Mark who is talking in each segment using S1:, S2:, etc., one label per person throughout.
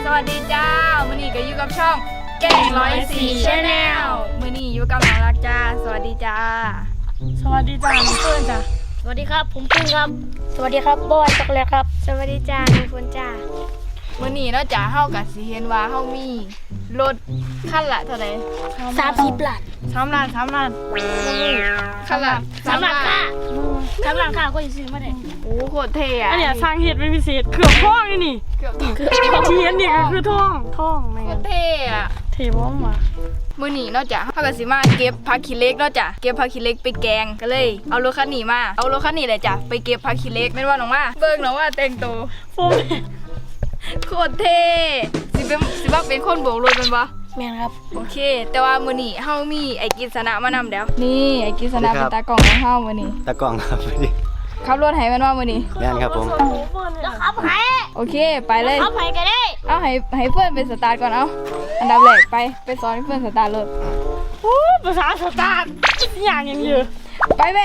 S1: วัสดีจ้ามื้อนี้ก็อยู่กับช่องแก่ง104 Channel มื้อนี้อยู่กับน้องรักจ้าสวัสดีจ้า
S2: สวัสดีจ้าน้องเฟิร์นจ้า
S3: สวัสดีครับผมพึ่งครับสวัสดีครับบอยช็อกโกแลตครับ
S1: สวัสดีจ้าน้องฝนจ้ามื้อนี้เนาะจ้าเฮาก็สิเห็นว่าเฮามีรถคันละเท่าไหร่
S3: 30 ล้าน
S2: 3 ล้าน
S1: คันละ
S3: 3 ล้านค่ะก็จะซื้อมาได้
S1: โอ้โคตรเท่อะ
S2: อันเนี้ยสร้างเหตุเป็นพิเศษเกือบท่องนี่
S1: เกือบ
S2: เทียนนี่ก็คือท่องแม่
S1: โคตรเท่อะ
S2: เทบ้องมา
S1: มื้อนี้เนาะจ้ะเฮาก็สิมาเก็บผักขี้เหล็กเนาะจ้ะเก็บผักขี้เหล็กไปแกงก็เลยเอารถคันนี้มาเอารถคันนี้เลยจ้ะไปเก็บผักขี้เหล็กแม่นว่าน้องว่าเบิ่งน้องว่าแต่งตัว
S2: โฟม
S1: โคตรเท่สิว่าเป็นคนโบกรถแม่นบ่
S3: แม่นครับ
S1: โอเคแต่ว่ามื้อนี้เฮามีไอ้กิษณะมานำแล้วนี่ไอ้กิษณะเป็นตากล้องของเฮามื้อนี้
S4: ตะกล้องครับวันนี้
S1: ขับรถให้แม่นว่ามื้อนี้
S4: แม่นครับผม
S3: แล้วขับไผ่
S1: โอเคไปเลย
S3: ขับไผ่กันได้
S1: เอาให้เพื่อนไปสตาร์ทก่อนเอาอันดับแรกไปสอนให้เพื่อนสตาร์ทรถ
S2: โอ้ภาษาสตาร์ทอย่างยังเยอะ
S1: ไปแม่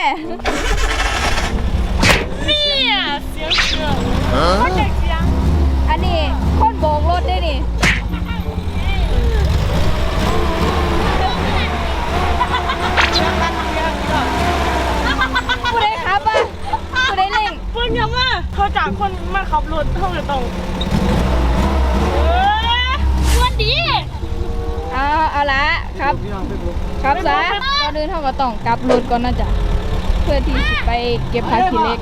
S2: เนี่ยเสียงเสือเขาเด็กเสียง
S1: อันนี้คนโบกรถได้นี่ผู้ใดขับอ่ะผู้ใดเร่ง
S2: เพิ่งยังมาเขาจากคนมาขับรถเท่ากับตรงวันดี
S1: เอาละครับซะก่อนอื่นเฮาก็ต้องกลับรถก่อนนะจ๊ะเพื่อที่สิไปเก็บผักขี้เหล็ก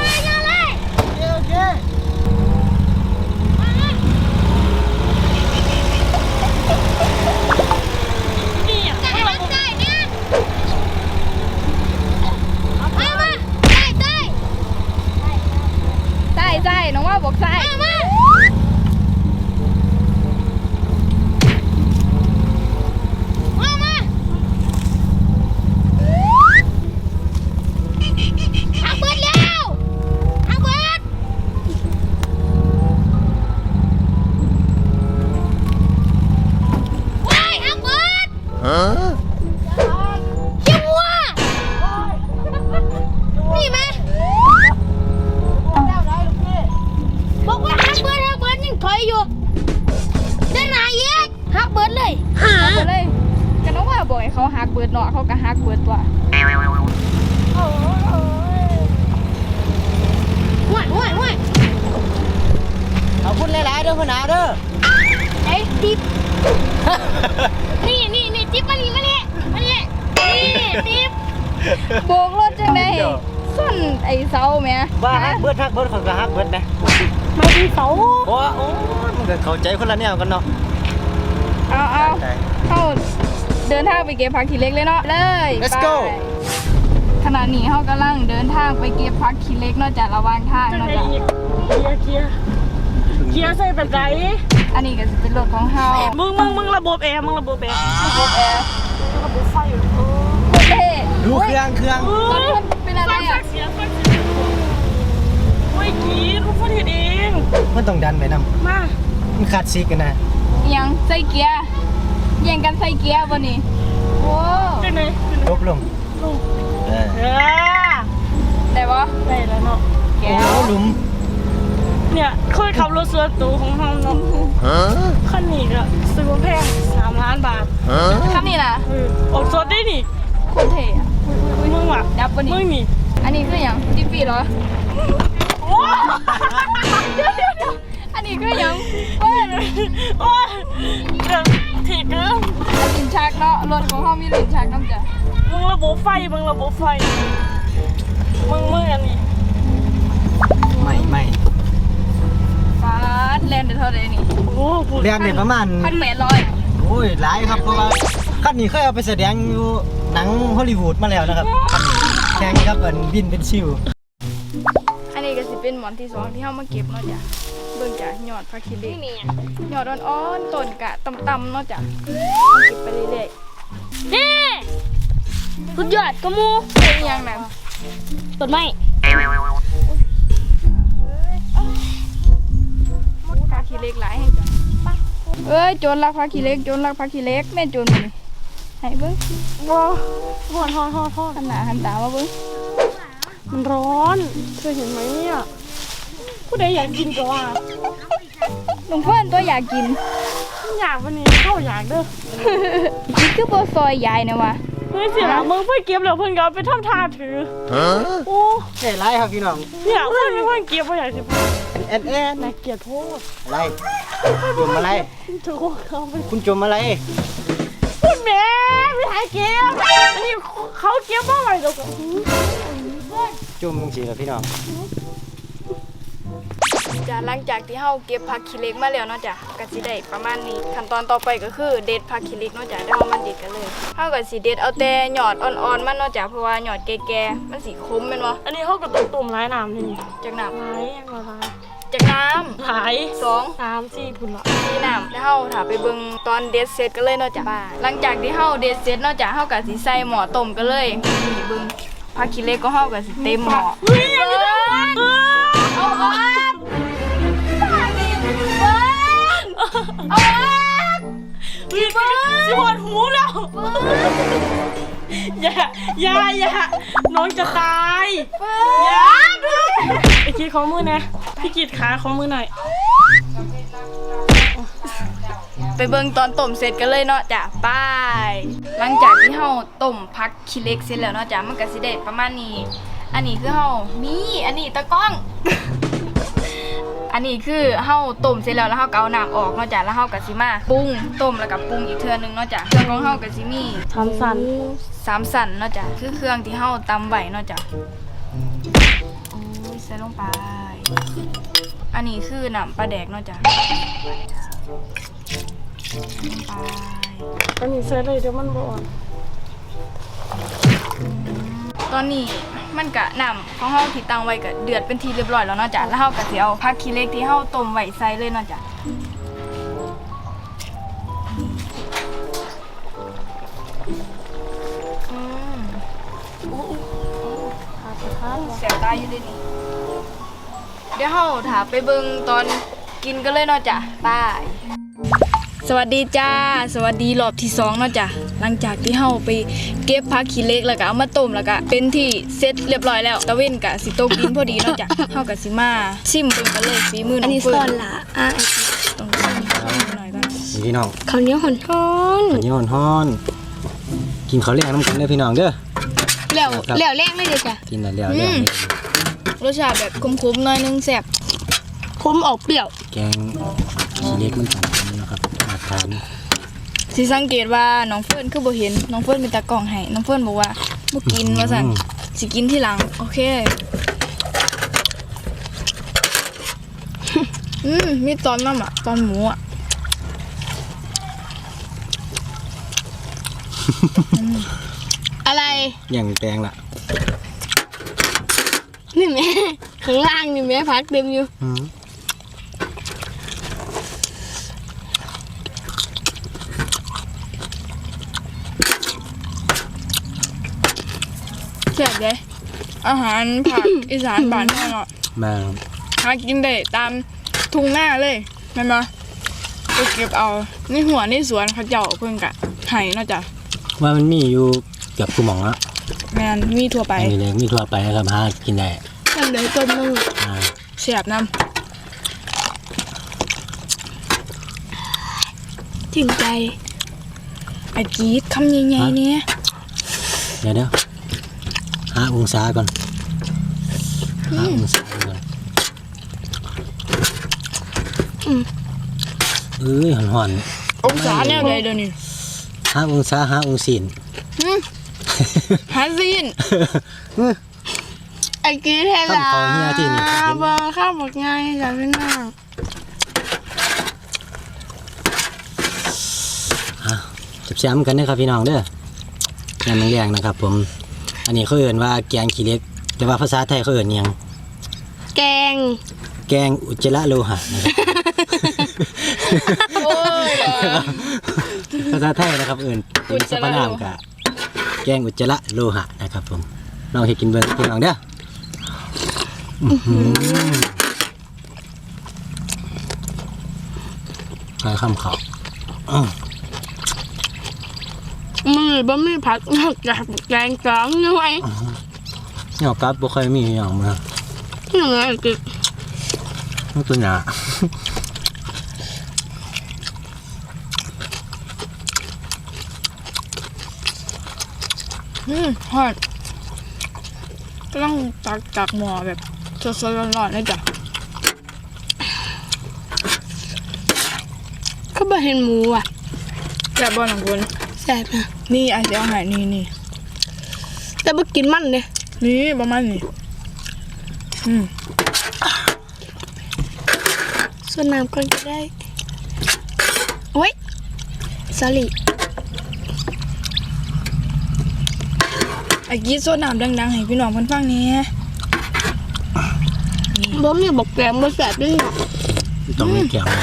S2: นี่อ่ะ
S1: ใช่น้องว่าบอกใช่ไปเลยก็น้องว่าบอกให้เขาหักเบิดเนาะเขาก็หักเบิดตัว
S4: เอาพูดหลายๆเด้อพ่อหนาเด้อ
S3: ไอ้ติ๊บนี่ติ๊บมานี่นี่ติ๊บ
S1: โบกรถจังได๋ส้นไอ้เสาแหม่
S4: ว่าฮักเบิดเขาก็ฮักเบิดนะ
S2: ไม่ดีเสา
S4: โอ้มันก็เข้าใจคนละแนวกันเนาะ
S1: เอาเข้าเดินทางไปเก็บผักขี้เหล็กเลยเนาะเลย
S4: Let's
S1: ไป
S4: go
S1: ขณะนี้เฮากำลังเดินทางไปเก็บผักขี้เหล็กเนาะจากระหว่างทาง
S2: จัง
S1: เนาะ
S2: ไง
S1: จ้ะ
S2: อีกเกียร์ใส่แบบไหน
S1: อันนี้ก็สิเป็นรถของเฮา
S2: มึงระบบแอร์
S1: ระบบแอร์
S2: ระบบไฟอยู่
S1: เท่
S4: ดูเครื่อง
S1: ตอนนี้มันเป็นอะไรอ่ะ
S2: เสียงโอ้ยกีรู้พูดเอง
S4: มันต้องดันไปนำ
S2: มา
S4: มันขาดซีกันนะ
S1: อิหยังใส่เกียร์แย่งกันใส่เกียร์บ่นี่โอ้
S2: จังไง
S4: ลบลงเออ
S1: ได้บ่
S2: ได้แล้วเนาะ
S1: แก
S4: โอ้หลุม
S2: เนี่ยเคยขับรถส่วนตัวของเราเนาะคันนี้ก็ซื้อมาแพง3 ล้านบาท
S1: คันนี้น่ะ
S2: ออกสดได้นี่
S1: คนเท่อะ
S2: มึงว่ะ
S1: ดับบ่นี่
S2: มึงนี่
S1: อันนี้คือหยังจิปีเหรอ
S2: โอ้
S1: เดี๋ยวอันนี้คือหยังเว้ย
S2: โอ้เดี๋ยวถีบเด้อ
S1: ลิ้นชักเนาะรถของเฮามีลิ้นชักนำจ้ะ
S2: มึงระบบไฟมึงอันนี้
S4: ไม่
S1: ฟาดแล่นได้เท่าใดนี่
S2: โอ้โห
S4: เรียนเนี่ยประมาณ
S1: 1,800
S4: โอ้ยหลายครับเพราะว่าคันนี้เคยเอาไปแสดงอยู่หนังฮอลลีวูดมาแล้วนะครับคันนี้แข่งกับบินเป็นชิว
S1: อันนี้ก็สิเป็นหมอนที่2ที่เฮามาเก็บเนาะจ้ะเบิ่งจ้ะยอดผักขี้เหล็ก
S3: นี่
S1: ยอดอ่อนๆต้นกะต่ำๆเนาะจ้ะเก็บไปเรื่อย
S3: นี่สุดยอดกระมู
S1: ๆเป็นอยังนั้น
S3: ต้นไม้
S1: ผักขี้เหล็กหลายให้จ้ะเอ้ยโจรลักผักขี้เหล็กแม่โจรมานี่ให้เบิ่ง
S2: ว้าวฮอด
S1: หันหน้าหันตามาเบิ่ง
S2: มันร้อนเคยเห็นไหมเนี่ยผู้ใดอยากกินก็ว่า
S1: น้องเฟิร์นตัวอยากกิน
S2: อยากวันนี้เข้าอยากเด้อ
S1: นี่คือบ่ซอยยายนะวะ
S2: เฮ้ยสิล่ะมึงเพิ่นเก็บแล้วเพิ่นก็เอาไปทำทาถือโอ้
S4: ใช่ไรครับพี่น้อง
S2: เนี่ยเพิ่นเป็นคนเก็บบ่อยากสิพูด
S4: แอนแอน
S2: น่าเกลียดโพด
S4: อะไรจมอะไร
S2: ถูกเขาไป
S4: คุณจมอะไร
S2: พูดแม่ไม่หายเก็บอันนี้เขาเก็บบ่ไหวดอก
S4: จมสิครับพี่น้อง
S1: จ้ะหลังจากที่เฮาเก็บผักขี้เหล็กมาแล้วเนาะจ้ะก็สิได้ประมาณนี้ขั้นตอนต่อไปก็คือเด็ดผักขี้เหล็กเนาะจ้ะเดี๋ยวเฮามาเด็ดกันเลยเฮาก็สิเด็ดเอาแต่ยอดอ่อนๆมันเนาะจ้ะเพราะว่ายอดแก่ๆมันสิคมแม่นบ่
S2: อันนี้เขาก็ต้องต้มหลายน้ำนี่
S1: จากน้
S2: หลายอย่างละหลาย
S1: ำจากน้ำ
S2: หลาย
S1: 2
S2: 3 4พุ่นละ
S1: 4น้ำแล้วเฮาถ้าไปเบิ่งตอนเด็ดเสร็จกันเลยเนาะจ้ะหลังจากที่เฮาเด็ดเสร็จเนาะจ้ะเฮาก็สิใส่หม้อต้มกันเลยนี่เบิ่งผักขี้เหล็กก็เฮาก็สิเต็มหม้อ
S2: เฮ้ยอันนี้ได้
S1: เอา
S2: เอา
S1: ออกเอาออก
S2: พี่เบิร์ดสิปวดหูแล้วอย่าน้องจะตายอย่าไอ้กีดของมือนะพี่กีดขาของมือหน่อย
S1: ไปเบิ่งตอนต้มเสร็จกันเลยเนาะจ้ะไปหลังจากที่เฮาต้มผักขี้เหล็กเสร็จแล้วเนาะจ้ะมันก็สิได้ประมาณนี้อันนี้คือเฮานี่อันนี้ตะกล้อง อันนี้คือเฮาต้มเสร็จแล้วเฮาก็เอาน้ำออกเนาะจ้ะแล้วเฮาก็สิมาปรุงต้มแล้วก็ปรุงอีกเทื่อนึงเนาะจ้ะเครื่องของเฮาก็สิมี
S2: ทำสัน
S1: 3สันเนาะจ้ะคือเครื่องที่เฮาตำไว้เนาะจ้ะโอ้ยใส่ลงไปอันนี้คือน้ำปลาแดกเนาะจ้ะลงไป
S2: อันนี้เสร็จเลยเดี๋ยวมันบ่อ่อน
S1: ตอนนี้มันกะน้ำของเฮาที่ตั้งไว้ก็เดือดเป็นทีเรียบร้อยแล้วเนาะจ้ะแล้วเฮาก็สิเอาผักขี้เหล็กที่เฮาต้มไว้ใส่เลยเนาะจ้ะเสียบตาอยู่ด้วยนี่เดี๋ยวเฮาถาไปเบิ่งตอนกินกันเลยเนาะจ้ะบาย สวัสดีจ้าสวัสดีรอบที่2เนาะจ้ะหลังจากที่เฮาไปเก็บผักขี้เหล็กแล้วก็เอามาต้มแล้วก็เป็นที่เสร็จเรียบร้อยแล้วตะเว้นก็สิตกดินพอดีเนาะจ้ะเฮาก็สิมาชิมเบิ่งกันเลยฝีมือน้องเฟิร์นต้องชิมหน่อยก่อน
S4: นี่พี่น้อง
S3: ข้าวเหนียวหอน
S4: อันนี้ฮ้อนกินข้าวแรงน้ำกันเด้อพี่น้องเด้อ
S3: ๆแล้วแรงเลยเด้อจ้ะ
S4: กินแล้วแรง
S1: รสชาติแบบขมๆหน่อยนึงแซ่บ
S3: คมออกเปรี้ยว
S4: แกงขี้เล็กมันต่างกันนะครับมาทาน
S1: สิสังเกตว่าน้องเฟิร์นคือบ่เห็นน้องเฟิร์นเป็นตากล้องให้น้องเฟิร์นบอกว่าบ่กินว่าซั่นสิกินทีหลังโอเคมีตอนน้ำอ่ะตอนหมูอ่ะ
S3: อะไร
S4: อย่างแตงล่ะ
S3: นี่แม่ข้างล่างนี่แม่พักเต็มอยู่
S1: แซ่บเลยอาหารผัก อีสานบ้านเราเนาะ
S4: มา
S1: หากินได้ตามทุ่งหน้าเลยแม่นบ่ไปเก็บเอาในหัวในสวนเขาเจ้าเพิ่นกะให้เนาะจ้ะ
S4: ว่ามันมีอยู่เกือบทุกหม่องละ
S1: แม่นมีทั่วไป
S4: มีเลยมีทั่วไปนะครับหากินได้
S3: ทำเลยต้มนึง
S4: อ่า
S1: แซ่บนำ
S3: ถึงใจ
S1: ไอ้จี๊ดคำใหญ่ๆเนี่ย
S4: เดี๋ยวหาองศาก่อนหาองศาก่อนเอ้ยห่อน
S1: องศาแนวใดเดี๋ยวนี้
S4: หาองศาหาองศีล
S1: หาซีน
S3: ไอ้กี้เทลา
S4: ข้าวเฮียที่นี่
S3: เบอร์ข้าวหมกง่ายจ้ะพี่น้อง
S4: จับแซมกันนะครับพี่น้องเด้อแกงแรงๆนะครับ ผมอันนี้เขาเอ่นว่าแกงขี้เหล็กแต่ว่าภาษาไทยเขาเอ่นหยัง
S3: แกง
S4: แกงอุจจาระโลหะนะครับ
S1: โอ้ย
S4: ภาษาไทยนะครับเอ่นเป็นสรรพนามกะแกงอุจจาระโลหะนะครับผมลองเฮ็ดกินเบิ่งพี่น้องเด้อใส่ข้ามเขา
S3: มือบะหมี่ผัดนอกจากแกงสองหน่วย
S4: เหงากับบ่ค่อยมีอย่างมา
S3: เหนื่อยกิ
S4: มันตัวหนา
S1: ฮอดก็ต้องตักจากหม้อแบบสดๆร้อนๆเลยจ้ะ
S3: ก็บ่เห็นหมูอ่ะ
S1: แซ่บบ่น้องคุณ
S3: แซ่บนะ
S1: นี่ไอ้สิเอาให้นี่
S3: แต่บ่กินมันเลย
S1: นี่ประมาณนี้
S3: ส่วนน้ำก่อนก็ได้โอ้ยสลิ
S1: ไอ้กี้โซดน้ำดังๆให้พี่น้องเพิ่นฟังนี่
S3: บ่มีบอกแกงบ่แซ่บด้วยเนาะ
S4: ต้องมีแก้วนะ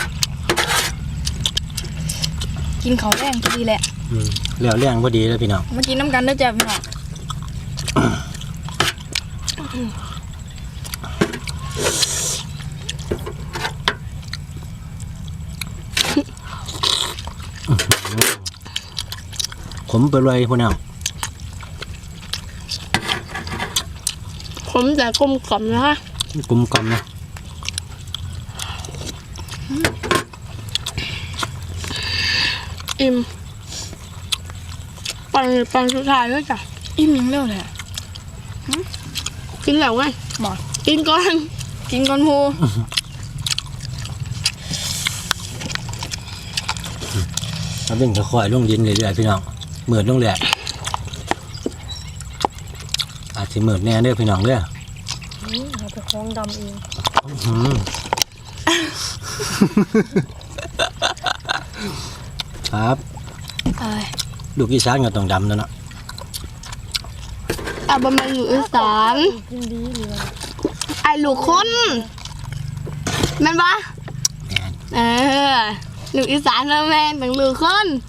S1: กินข้าวแรงพอดีแหละ
S4: แล้วแรงพอดีเลยพี่น้อง
S1: มากินน้ำกันเด้อจ้ะพี่น้อง
S4: ขมไปเลยพวกน้อง
S3: ผมแต่กลมกล่อมนะคะ
S4: กลมกล่อมนะ
S3: อิ่มปังสุดท้ายแล้วจ้ะ
S1: อิ่มยังเร็วแหละ
S3: กินแล้วไง
S1: บ่
S3: กินก่อน
S1: กินก่อนหมู
S4: เราเป็นค่อยๆลงดินเรื่อยๆพี่น้องเหมือดลงเลยอาจจะเหมือดแน่เด้อพี่น้องเด้อ
S2: เราไปคล้องดำเอง
S4: อืมครับ
S1: เอ้ย
S4: ลูกอีสานก็ต้องดำแล้วเนาะ
S3: อ่ะบ่แม่นอยู่อีสาน
S2: กินดีเลย
S3: ไอ้ลูกคนแม่นบ่
S4: แม่น
S3: ลูกอีสานนะแม่นต้องลูกคน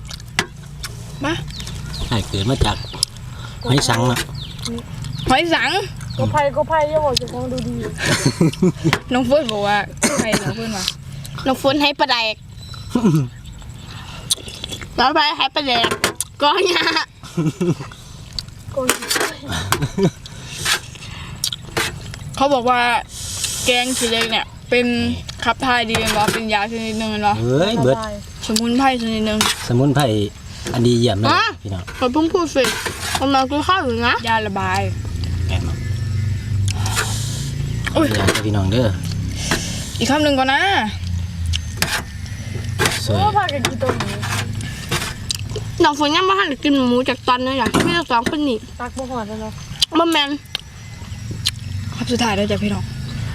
S4: ให้เกิดมาจากให้สังเนาะ
S1: หอยสัง
S2: ก็ไพ่อย่าบอกจะคล้องดูดี
S1: น้องเฟิร์นบอกว่าใครน้องเฟิร์นว่า
S3: น้องฝนให้ปลาแดกแล้วไปให้ปลาแดกก็เนี่ย
S1: เขาบอกว่าแกงขี้เหล็กเนี่ย เป็นขับถ่ายดีเป็นบ่เป็นยาชนิดหนึงเนาะ
S4: เฮ้ยเบิด
S1: สมุนไพรชนิดหนึง
S4: สมุนไพรอันดีเยี่ยมเลยพี่น้อง
S3: เราเพิ่งพูดสิกำลังกินข้าวอยู่นะ
S1: ยาระบาย
S4: แม่นเนาะ
S1: อุ้ย
S4: อยากให้พี่น้องเด้อ
S1: อีกคำหนึ่งก่อนนะ
S4: สวย
S2: ก็พากันกินตัวนี้
S3: น้องฝนยังไม่ทันได้กินหมูจากตอนนี้จ้ะไม่ได้สองคนนี่
S2: ตักบ่หอดแล้วเนาะ
S3: บ่แม่น
S1: คำสุดท้ายแล้วจ้ะพี่น้อง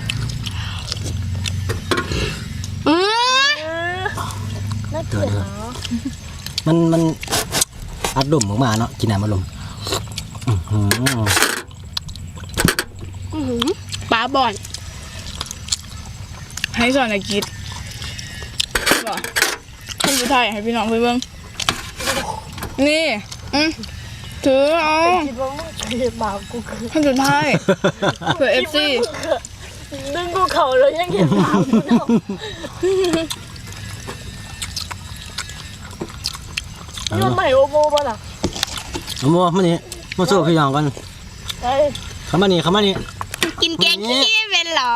S3: อือ
S2: น่าเกลียดเนาะ
S4: มันอัดดมออกมาเนาะกินน้ำมาลมอื้อหือ
S3: ปลาบ่อน
S1: ให้สอนไอ้กิดบ่คำสุดท้ายให้พี่น้องไปเบิ่งนี่ถือเอา
S2: คิดว่ามึงเกลียดบาปกูคือ
S1: คำสุดท้ายเผื่อ FC
S2: ดึงกูเข่าแล้วยังเกลียดบาปกูเนาะยังใหม่โอโมป่ะล่ะ
S4: เอามานี่มาสู้พี่น้องกัน
S2: ไอ้
S4: เข้ามานี่
S3: กินแกงขี้เป็นเหรอ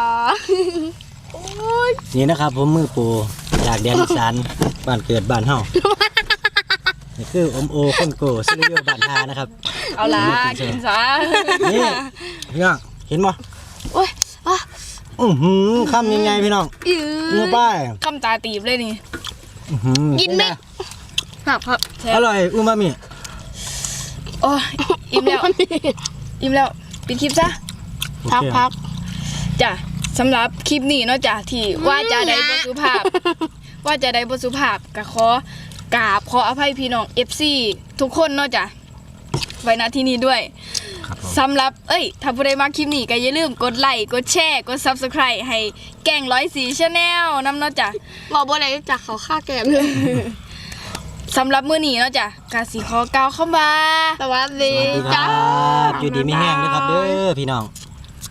S4: นี่นะครับผมมือปูจากแดนอีสานบ้านเกิดบ้านเฮานี่คืออมโอคนโกซิลิโอบ้านฮานะครับ
S1: เอาล่ะกินซะ
S4: นี่พี่น้องเห็นบ่
S3: โอ้ยอ่ะ
S4: คำยังไงพี่น้อง
S3: อือ
S4: เนื้อป้าย
S1: คำตาตีบเลยนี่
S3: กินไหม ครับ
S4: อร่อยอูมามิ
S1: โอ้ยอิ่มแล้วอิ่มแล้วปิดคลิปซะ
S3: พัก
S1: จ้ะสำหรับคลิปนี้เนาะจ้ะที่ว่าจะได้บ่สุภาพ ว่าจะได้บ่สุภาพก็ขอกราบขออภัยพี่น้อง FC ทุกคนเนาะจ้ะไว้ณที่นี้ด้วย
S4: ครับผม
S1: สำหรับถ้าผู้ใดมาคลิปนี้ก็อย่าลืมกดไลค์กดแชร์กด Subscribe ให้แกง104 Channel นำเนาะจ้ะ
S3: บอกบ่ได้จากเขาฆ่าแกมเลย
S1: สำหรับมื้อนี้เนาะจ้ะกาสิขอกล่าวคำว่า
S3: สวัสดี
S4: สวัสดีค
S3: จ้า
S4: รับอยู่ดีไม่แห้งนะครับเด้อพี่น้อง